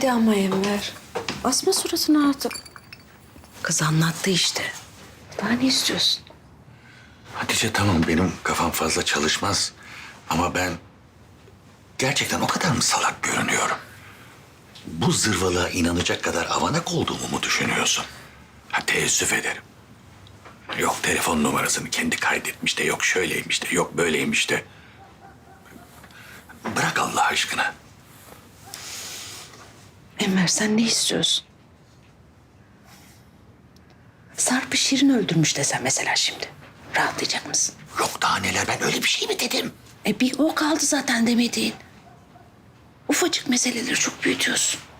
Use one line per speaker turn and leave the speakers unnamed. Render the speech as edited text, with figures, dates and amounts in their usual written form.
Hadi ama Enver. Asma suratını artık. Kız anlattı işte. Daha ne istiyorsun?
Hatice tamam benim kafam fazla çalışmaz. Ama ben gerçekten o kadar mı salak görünüyorum? Bu zırvalığa inanacak kadar avanak olduğumu mu düşünüyorsun? Ha, teessüf ederim. Yok telefon numarasını kendi kaydetmiş de, yok şöyleymiş de, yok böyleymiş de. Bırak Allah aşkına.
Enver sen ne istiyorsun? Sarp'ı Şirin öldürmüş desem mesela şimdi. Rahatlayacak mısın?
Yok daha neler, ben öyle bir şey mi dedim?
Bir o kaldı zaten demediğin. Ufacık meseleleri çok büyütüyorsun.